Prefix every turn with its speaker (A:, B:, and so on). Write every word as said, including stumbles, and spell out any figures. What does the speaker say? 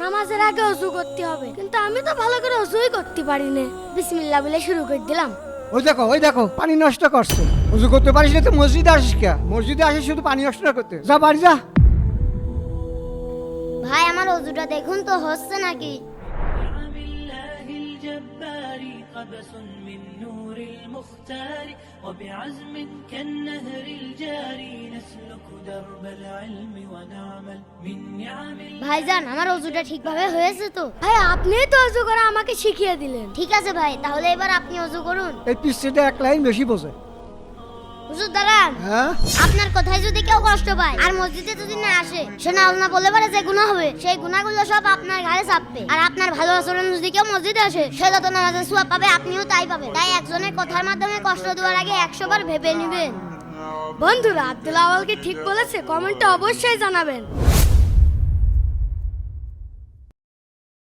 A: নামাজের আগে ওযু করতে হবে, কিন্তু আমি তো ভালো করে ওযুই করতে পারি না। বিসমিল্লাহ বলে শুরু করে দিলাম।
B: ওই দেখো ওই দেখো পানি নষ্ট করছে। ওযু করতে পারিস না তো মসজিদে আসিস কে? মসজিদে আসিস শুধু পানি নষ্ট করতে। যা বাড়ি যা।
C: ভাই আমার ওযুটা দেখুন তো হচ্ছে নাকি।
D: قبس من نور المختار وبعزم كالنهر الجاري نسلك درب العلم ونعمل من نعم
C: ভাইজান আমার ওযুটা ঠিকভাবে হয়েছে তো?
A: ভাই আপনিই তো ওযু করা আমাকে শিখিয়ে দিলেন।
C: ঠিক আছে ভাই, তাহলে এবার আপনি ওযু করুন।
B: এই পিচ্ছিটা এক লাইন বেশি বোঝে।
C: হুজুর দাঁড়ান।
B: হ্যাঁ
C: আপনার কথায় যদি কেউ কষ্ট পায় আর মসজিদে যদি না আসে, সে না আল্লাহ বলে পারে যে গুনাহ হবে, সেই গুনাহগুলো সব আপনার ঘাড়ে চাপবে। আর আপনার ভালো আচরণ যদি কেউ মসজিদে আসে, সে যত নামাজের সওয়াব পাবে আপনিও তাই পাবেন। তাই একজনের কথার মাধ্যমে কষ্ট দেওয়ার আগে একশো বার ভেবে নেবেন।
A: বন্ধুরা, আব্দুল আওয়াল কি ঠিক বলেছে? কমেন্টে অবশ্যই জানাবেন।